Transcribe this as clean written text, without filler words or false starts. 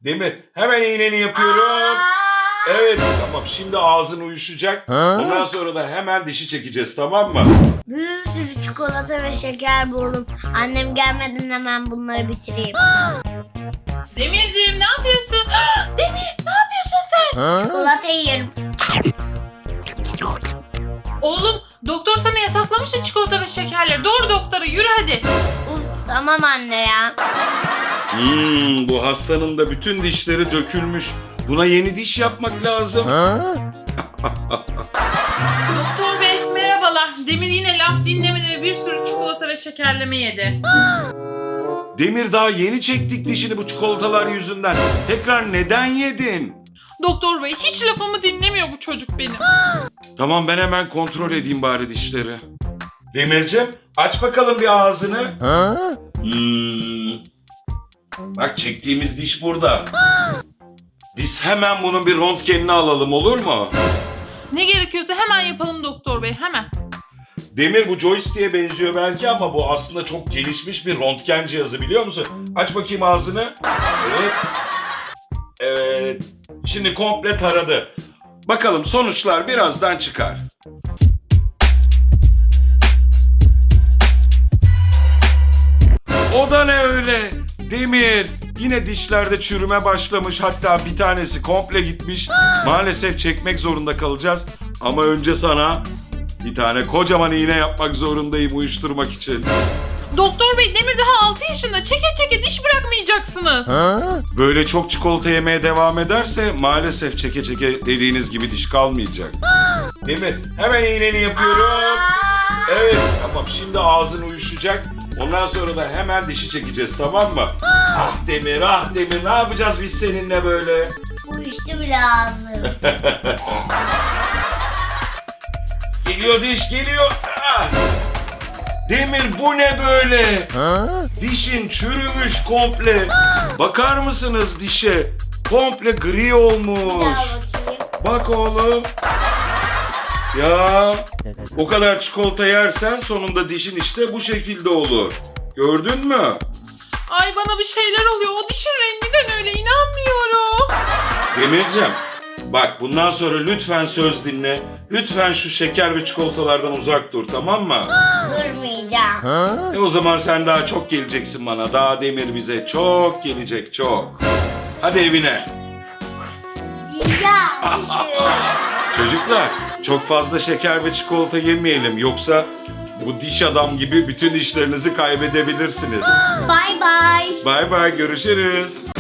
Demir hemen iğneni yapıyorum. Evet tamam, şimdi ağzın uyuşacak. Ondan sonra da hemen dişi çekeceğiz, tamam mı? Bir sürü çikolata ve şeker buldum. Annem gelmeden hemen bunları bitireyim. Demirciğim ne yapıyorsun? Demir ne yapıyorsun sen? Çikolata yiyorum. Oğlum doktor sana yasaklamıştı çikolata ve şekerleri. Doğru doktora, yürü hadi. Uf, tamam anne ya. Bu hastanın da bütün dişleri dökülmüş. Buna yeni diş yapmak lazım. Doktor bey merhabalar. Demir yine laf dinlemedi ve bir sürü çikolata ve şekerleme yedi. Demir, daha yeni çektik dişini bu çikolatalar yüzünden. Tekrar neden yedin? Doktor bey hiç lafımı dinlemiyor bu çocuk benim. Tamam, ben hemen kontrol edeyim bari dişleri. Demircim, aç bakalım bir ağzını. Bak, çektiğimiz diş burada. Biz hemen bunun bir röntgenini alalım, olur mu? Ne gerekiyorsa hemen yapalım doktor bey, hemen. Demir, bu joystick'e benziyor belki ama bu aslında çok gelişmiş bir röntgen cihazı, biliyor musun? Aç bakayım ağzını. Evet. Evet. Şimdi komple taradı. Bakalım sonuçlar birazdan çıkar. O da ne öyle? Demir, yine dişlerde çürüme başlamış, hatta bir tanesi komple gitmiş. Maalesef çekmek zorunda kalacağız. Ama önce sana bir tane kocaman iğne yapmak zorundayım uyuşturmak için. Doktor bey Demir daha 6 yaşında. Çeke çeke diş bırakmayacaksınız. Böyle çok çikolata yemeye devam ederse maalesef çeke çeke dediğiniz gibi diş kalmayacak. Demir, hemen iğneni yapıyorum. Evet tamam, şimdi ağzın uyuşacak. Ondan sonra da hemen dişi çekeceğiz, tamam mı? Ah Demir, ah Demir, ne yapacağız biz seninle böyle? Uyuştu bile ağzım. Geliyor diş, geliyor. Ah! Demir, bu ne böyle? Dişin çürümüş komple. Bakar mısınız dişe? Komple gri Bir olmuş. daha bakayım. Bak oğlum. Ya o kadar çikolata yersen sonunda dişin işte bu şekilde olur. Gördün mü? Ay bana bir şeyler oluyor. O dişin renginden öyle, inanmıyorum. Demircim, bak bundan sonra lütfen söz dinle. Lütfen şu şeker ve çikolatalardan uzak dur, tamam mı? Durmayacağım. O zaman sen daha çok geleceksin bana. Daha Demir bize çok gelecek, çok. Hadi evine. Yiyeceğim dişimi. Çocuklar, çok fazla şeker ve çikolata yemeyelim. Yoksa bu diş adam gibi bütün dişlerinizi kaybedebilirsiniz. Bye bye. Bay bay, görüşürüz.